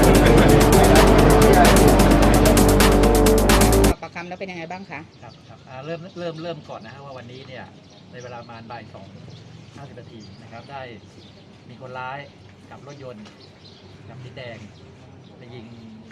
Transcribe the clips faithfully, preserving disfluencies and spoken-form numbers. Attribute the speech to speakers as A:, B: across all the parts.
A: สอบปากคำแล้วเป็นยังไงบ้างคะ
B: ครับครับเริ่มเริ่มเริ่มก่อนนะฮะว่าวันนี้เนี่ยในเวลาประมาณบ่ายสองห้าสิบนาทีนะครับได้มีคนร้ายกับรถยนต์กับสีแดงไปยิง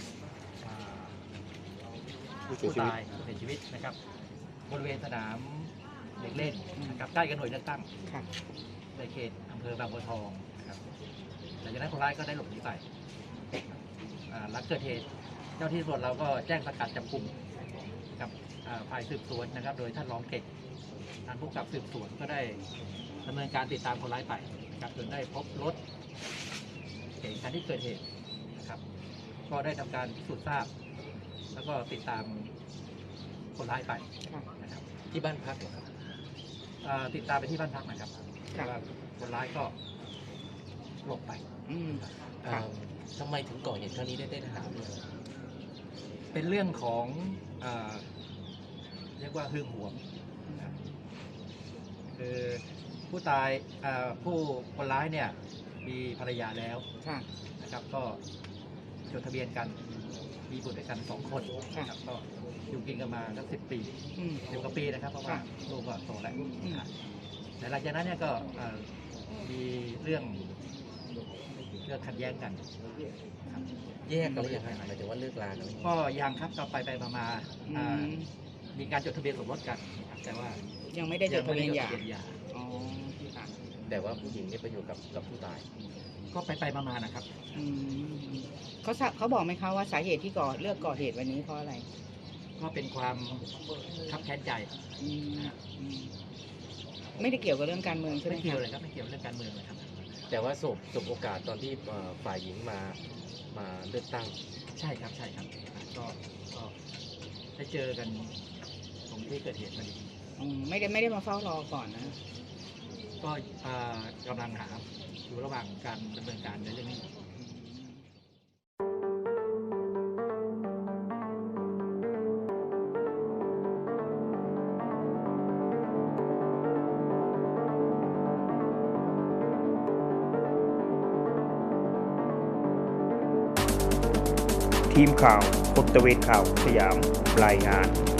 B: ผู้ตายผู้เสียชีวิตนะครับบริเวณสนามเด็กเล่นนะครับใกล้กับหน่วยเลือกตั้งในเขตอำเภอบางบัวทองนะครับหลังจากนั้นคนร้ายก็ได้หลบหนีไปหลังเกิดเหตุเจ้าที่ตำรวจเราก็แจ้งสกัดจับกลุ่มกับฝ่ายสืบสวนนะครับโดยท่านรองเก่งท่านผู้กำกับสืบสวนก็ได้ดำเนินการติดตามคนร้ายไปนะครับจนได้พบรถเก๋งคันที่เกิดเหตุนะครับก็ได้ทำการพิสูจน์ทราบแล้วก็ติดตามคนร้ายไปนะครับ
C: ที่บ้านพักเหรอครับ
B: ติดตามไปที่บ้านพักนะครับว่าคนร้ายก็หลบไป
C: ทำไมถึงก่อเหตุครั้งนี้ได้ได้ถามเลย
B: เป็นเรื่องของเรียกว่าหึงหวงคือผู้ตายผู้คนร้ายเนี่ยมีภรรยาแล้วนะครับก็จดทะเบียนกันมีบุตรด้วยกันสองคนนะครับก็อยู่กินกันมาสักสิบปีสิบกว่าปีนะครับเพราะว่าลูกก็โตแล้วแต่หลังจากนั้นเนี่ยก็มีเรื่องเรื่องขัดแย้งกัน
C: แยกกันหรือยังไงหมายถึงว่าเลิกลากัน
B: ก็ยังครับก็ไปไปมามีการจดทะเบียนสมรสกันแต่ว่า
A: ยังไม่ได้จดทะเบียนหย่า
C: แต่ว่าผู้หญิงนี่ไปอยู่กับกับผู้ตาย
B: ก็ไปไปมาๆนะครับ
A: เขาเขาบอกไหมคะว่าสาเหตุที่ก่อเลือกก่อเหตุวันนี้เพราะอะไร
B: ก็เป็นความคับแค้นใจ
A: ไม่ได้เกี่ยวกับเรื่องการเมืองใช่ไหม
B: ไม่เกี่ยวเลยครับไม่เกี่ยวเรื่องการเมืองเลยครับ
C: แต่ว่าสบสบโอกาสตอนที่ฝ่ายหญิงมามาเลือกตั้ง
B: ใช่ครับใช่ครับก็ก็ได้เจอกันตรงที่เกิดเหตุพอดี
A: ไม่ได้ไม่ได้มาเฝ้ารอก่อนนะ
B: ก็กำลังหาอยู่ระหว่างการดำเนินการในเรื่องนี้
D: ทีมข่าวพลตระเวนข่าวสยามรายงาน